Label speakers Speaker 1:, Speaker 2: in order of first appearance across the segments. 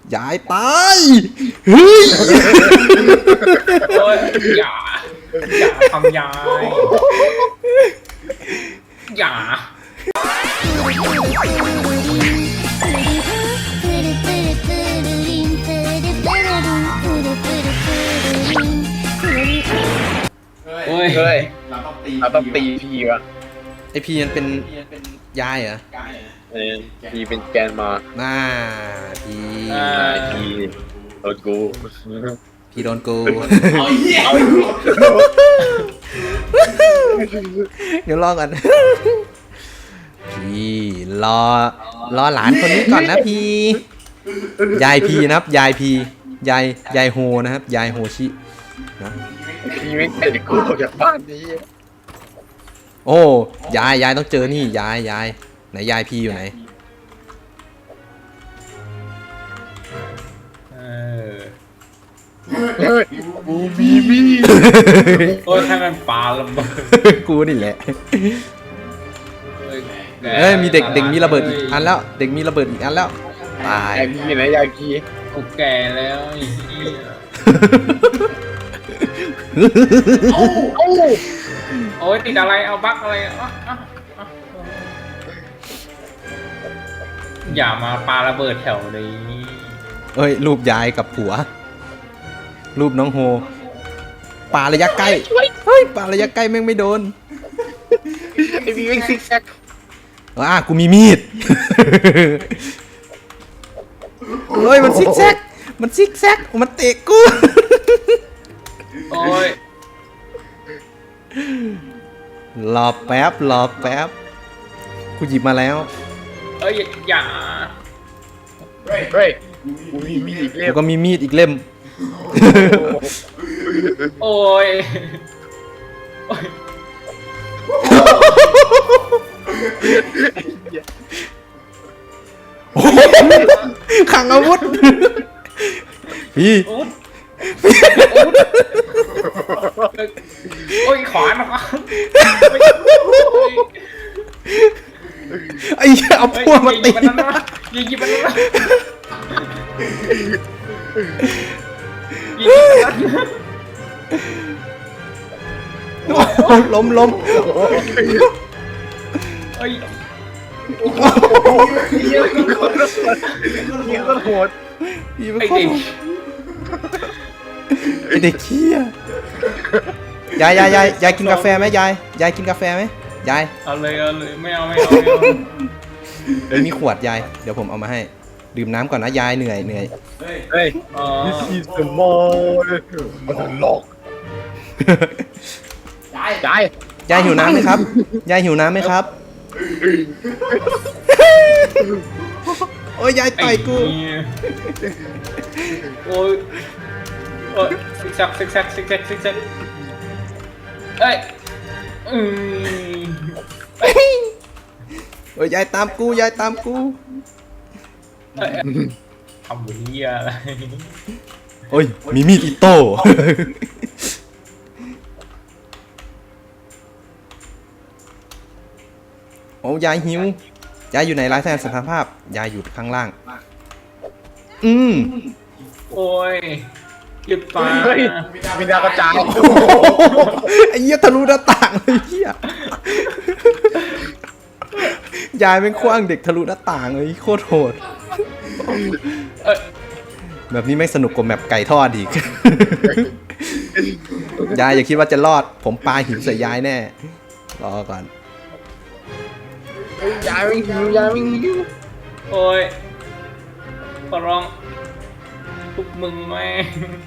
Speaker 1: ยายตายเฮ้ย
Speaker 2: โอ้ยอย่าทำยายอย่าโอ้ย
Speaker 3: เฮ้ย
Speaker 4: เราต้องตี
Speaker 3: เราต้องตีพีวะ
Speaker 1: ไอพีมันเป็นยายเหรอ
Speaker 3: พีเป็นแกนมา
Speaker 1: น่าพี
Speaker 3: พีโดนกู
Speaker 1: พีโดนกู
Speaker 4: เอาเหี้ย
Speaker 1: เดี๋ยวรอก่อนพี่รอหลานคนนี้ก่อนนะพี่ยายพีนะครับยายพียายโฮนะครับยายโฮชินะ
Speaker 3: พีไม่เห็นกูออกจากบ้านนี้
Speaker 1: โอ้ยายต้องเจอนี่ยายไหนยายพีอยู่ไหน
Speaker 3: เฮ้ยกูมีมีด
Speaker 2: โอ้ยให้มันปาระเบิด
Speaker 1: กูนี่แหละเอ้ยมีเด็กมีระเบิดอีกอันแล้วเด็กมีระเบิดอีกอันแล้วตาย
Speaker 3: ยายพีไหนยายพี
Speaker 2: กูแก่แล้วไอ้เหี้ย
Speaker 3: เอ้า
Speaker 2: โอ้ยติดอะไรเอาบั๊กอะไรอย่ามาปาระเบิดแถวนี้
Speaker 1: เอ้ยรูปยายกับผัว รูปน้องโฮปาระยะใกล้เฮ้ยปาระยะใกล้แม่งไม่โดน
Speaker 3: ไอพีเป็นซิกแซก
Speaker 1: กูมีมีด เฮ้ยมันซิกแซกมันเตะกู
Speaker 2: โอ้ย
Speaker 1: รอแป๊บกูหยิบมาแล้ว
Speaker 2: เอ้ยอย่า
Speaker 3: เฮ้ยกูมีมีดอีกเล่
Speaker 1: กู
Speaker 3: ม
Speaker 1: ก็มีมีดอีกเล่ม
Speaker 2: โอ้ยโอ้ย
Speaker 1: ขังอาวุธ พี่
Speaker 2: อุ๊ดโอ้ยขวานนะครับ
Speaker 1: ไอ้เหี้ยเอาพวกมาตี
Speaker 2: ยิงยิงมันนะ
Speaker 1: ล้ม
Speaker 2: เอ้ย
Speaker 3: เหี้ยก็โหด
Speaker 1: พี่เป็น
Speaker 2: ไอ้
Speaker 1: คน
Speaker 2: เด็ก
Speaker 1: ไอเด็กเขี้ยยายกินกาแฟไหมยายกินกาแฟไหมยาย
Speaker 2: เอาเลยไม่เอา
Speaker 1: เดี๋ยวมีขวดยายเดี๋ยวผมเอามาให้ดื่มน้ำก่อนนะยายเหนื่อย
Speaker 3: เฮ้ย
Speaker 2: อ๋อ
Speaker 3: this is the mall มันหลอกยาย
Speaker 1: ยายหิวน้ำไหมครับยายหิวน้ำไหมครับโอ้ยยายต่อยกู
Speaker 2: โอ้ยโอ้ยซิกแซกเอ้ย
Speaker 1: โอ้ยยายตามกู
Speaker 2: ทำบุญเหี้ยอะไร
Speaker 1: โอ้ยมีมีดอิโต้โอ้ยายหิวยายอยู่ไหนรายแทนสภาพยายอยู่ข้างล่าง
Speaker 2: โอ้ยหยุดปา
Speaker 3: เฮ้ยมีดาวกระจาย
Speaker 1: ไอ้เหี้ยทะลุหน้าต่างเลยเหี้ยยายเป็นขว้างเด็กทะลุหน้าต่างเลยโคตรโหดแบบนี้ไม่สนุกกว่าแมปไก่ทอดอีก ยายอย่าคิดว่าจะรอดผมปาหินใส่ยายแน่รอก่อน
Speaker 3: ยายไม่หิว
Speaker 2: โอ้ยขอร้องพวกมึงแม่ง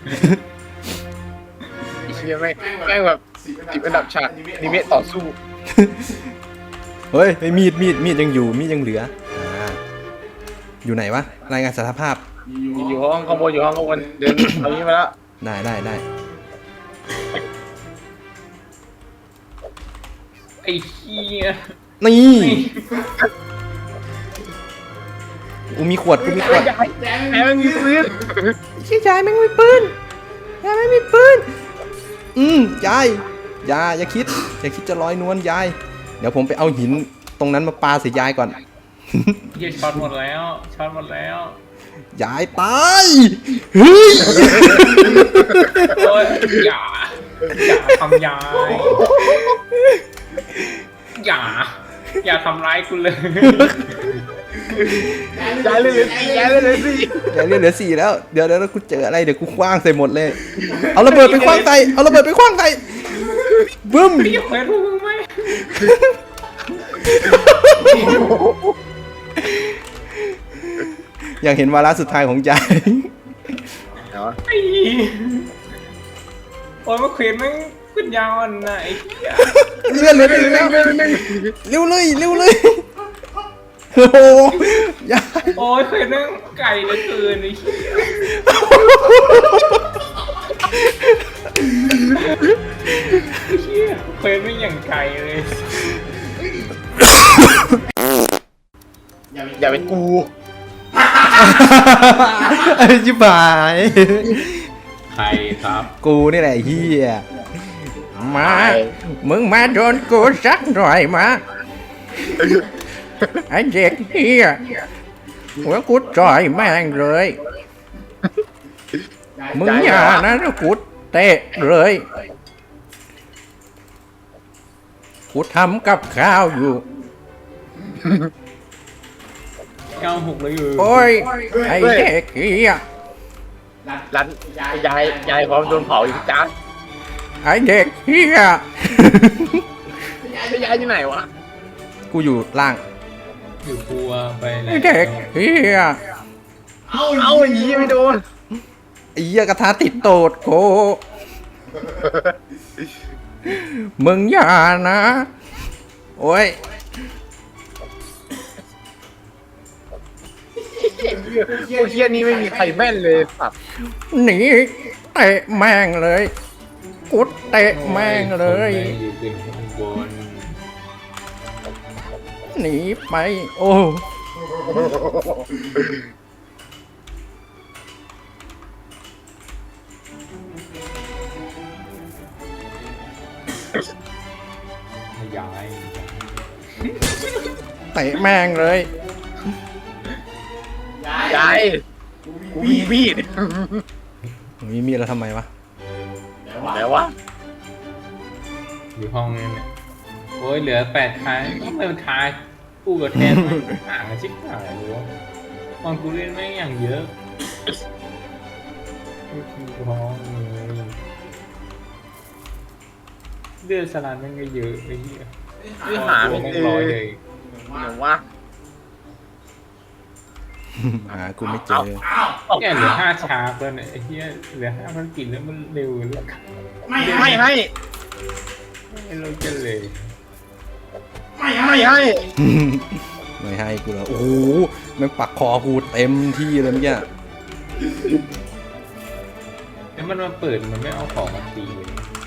Speaker 3: ไอ้เชี่ยแม่งแบบติดอันดับฉากนิเมะต่อสู้
Speaker 1: เฮ้ยไอ้มีดยังอยู่มีดยังเหลืออยู่ไหนวะรายงานสภาพ
Speaker 3: อยู่ห้องข้างบนเดินเอานี้มาแล้ว
Speaker 1: ได้
Speaker 2: ไอ้เหี้ย
Speaker 1: นี่กูมีขวด
Speaker 3: แม่งมีปืน
Speaker 1: ชื่อยายแม่งไม่ปืนยายไม่มีปืนยายอย่าคิดจะลอยนวลยายเดี๋ยวผมไปเอาหินตรงนั้นมาปาใส่ยายก่อน
Speaker 2: เหี้ยช็อตหมดแล้ว
Speaker 1: ยายตายเฮ้ย
Speaker 2: โอ้ยอย่าทำยายอย่าทำร้ายกูเลย
Speaker 3: ยายเลยยายเลยสิ
Speaker 1: ยายเหลือ4แล้วเดี๋ยวกูเจออะไรเดี๋ยวกูคว้างใส่หมดเลยเอาระเบิดไปคว้างใส่บึ้ม
Speaker 2: พี่เควสพวกมึงไหม
Speaker 1: อยากเห็นวาระสุดท้ายของยาย
Speaker 2: ไอ้โอ้ยมาเควสแม่งขึ้นยาวอันน่ะไอ้เหี้ย
Speaker 1: เลื่อนเลยแล้วเร็วเลยโอ้โหยาย
Speaker 2: โอ้ยเควสแม่งไก่เหลือเกินไอ้เหี้ยเหี้ยเควสไม่งอย่างไก่เลย
Speaker 3: อย่าเป็นกู
Speaker 1: ไอ้ชิบหาย
Speaker 2: ใครครับ
Speaker 1: กูนี่แหละเฮียมามึงมาโดนกูสักหน่อยมาไอ้เด็กเฮียหัวกูจ่อยแม่งเลยมึงอย่านะกูเตะเลยกูทำกับข้าวอยู่
Speaker 2: 96เลยอยู่
Speaker 1: โอ้ยไอ้เด็กเฮีย
Speaker 3: ร้านยายพร้อมโดนเผาอีกจ้า
Speaker 1: ไอ้เด็กเฮีย
Speaker 3: ยายที่ไหนวะ
Speaker 1: กูอยู่ล่าง
Speaker 2: อยู่กลัวไปไหน
Speaker 1: ไอ้เด็กเฮีย
Speaker 3: เอาอย่างนี้ไม่โดน
Speaker 1: ไอ้เหี้ยกระทะติดโตดโกมึงอย่านะ โอ้ย
Speaker 3: พวกเฮียนี้ไม่มีใครแม่นเลยสัตว์
Speaker 1: หนีเตะแม่งเลยกูเตะแม่งเลย
Speaker 2: อยู่เป็นข้างบน
Speaker 1: หนีไป โอ้
Speaker 2: ย้าย
Speaker 1: เตะแม่งเลย
Speaker 3: ยายกูมีมีด
Speaker 1: มีแล้วทำไมวะ
Speaker 3: แล้ววะ
Speaker 2: อยู่ห้องนี้เนี่ยโอ้ยเหลือ8ท้ายทำไมมันท้ายกูกับแทนมันห่างกันชิบหายเลยวะตอนกูเล่นแม่งอย่างเยอะห้องเลยเลือดสลัดแม่งก็เยอะไอ้เหี้ย
Speaker 3: คือหาไม่เจอ
Speaker 2: ร้อยเลย
Speaker 3: หนูวะ
Speaker 1: หากูไม่เจอ
Speaker 2: เนี่ยเหลือ5ชาร์ปแล้วเนี่ยไอ้เหี้ยเหลือ5 ภารกิจแล้วมันเร็วเลย
Speaker 3: ไม่ให้
Speaker 2: ไม่รู้จะเลย
Speaker 3: ไม่ให้
Speaker 1: ไม่ให้กูแล้วโอ้โหแม่งปักคอกูเต็มที่เลยเมื่อกี้
Speaker 2: แล้วมันมาเปิดมันไม่เอาของมาตีเลย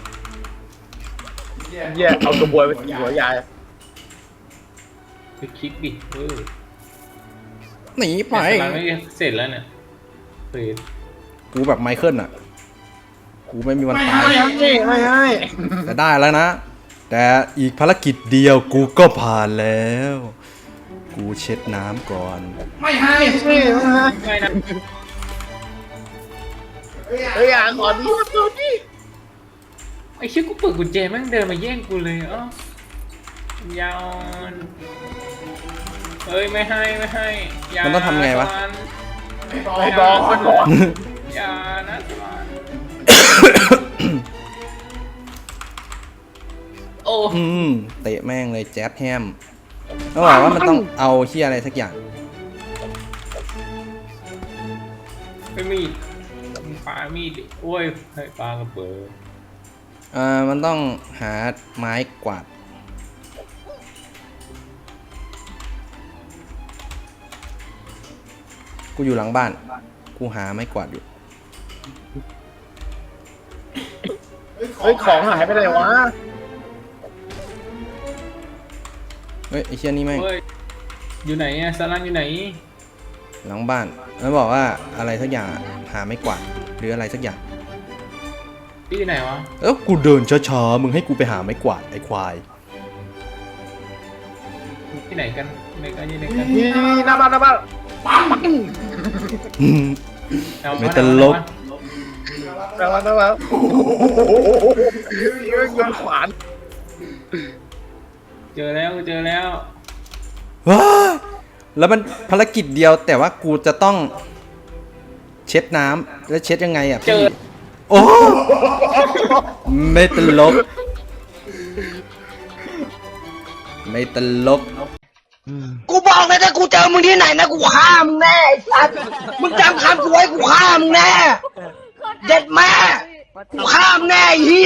Speaker 3: เฮียเอากระบวยไปตีหัวยาย
Speaker 2: ไปคลิกดิ
Speaker 1: หนีไป
Speaker 2: แต่สลัดไม่เสร็จแล้วเนี่ยเปิด
Speaker 1: กูแบบไมเคิลอ่ะ กูไม่มีวันตาย
Speaker 3: ไม่ให้
Speaker 1: แต่ได้แล้วนะ แต่อีกภารกิจเดียวกูก็ผ่านแล้ว กูเช็ดน้ำก่อน
Speaker 3: ไม่ให้ไม่ให้
Speaker 2: ไม่นะ
Speaker 3: เฮ้ยขอดีขอดี
Speaker 2: ไอ้เชี่ยกูเปิดกุญแจแม่งเดินมาแย่งกูเลยอ๋อยาอ่อนเอ้ยไม่ให้อย่า
Speaker 1: มันต้องทำไงวะ
Speaker 3: ไม่บอกมันบอก
Speaker 2: อย่านะสวรรค์โอ้
Speaker 1: เตะแม่งเลยแจ๊บแฮมเขาบอกว่ามันต้องเอาเฮียอะไรสักอย่าง
Speaker 2: ไม่มีดมึงปามีดดิโอ้ยให้ปากระเบิด
Speaker 1: มันต้องหาไม้กวาด กูอยู่หลังบ้าน กูหาไม้กวาดอยู่
Speaker 3: เฮ้ยของหายไปไหนวะ
Speaker 1: เฮ้ยไอเชี่ยนี่แม่ง
Speaker 2: เฮ้ยอยู่ไหนอะสลันอยู่ไหน
Speaker 1: หลังบ้านมันบอกว่าอะไรสักอย่างอะหาไม้กวาดหรืออะไรสักอย่าง
Speaker 2: พี่อยู่ไหนวะ
Speaker 1: กูเดินช้าๆมึงให้กูไปหาไม้กวาดไอ้ควาย
Speaker 2: ที่ไหนกันอยู่ไหนกัน
Speaker 3: นี่หน้าบ้านปัง
Speaker 2: เอา
Speaker 1: ไม่ตลก
Speaker 3: แล้วโยนขวาน
Speaker 2: เจอแล้วเจอแล้ว
Speaker 1: ว้ายแล้วมันภารกิจเดียวแต่ว่ากูจะต้องเช็ดน้ำแล้วเช็ดยังไงอ่ะ
Speaker 2: เจ
Speaker 1: พี่
Speaker 2: อ
Speaker 1: โอ้ไม่ตลก ไม่ตลก
Speaker 4: กูบอกเลยถ้ากูเจอมึงที่ไหนนะกูฆ่ามึงแน่ไอ้สัตว์มึงจำคำกูไว้กูฆ่ามึงแน่เด็ดแม่กูฆ่ามึงแน่ไอ้เหี้ย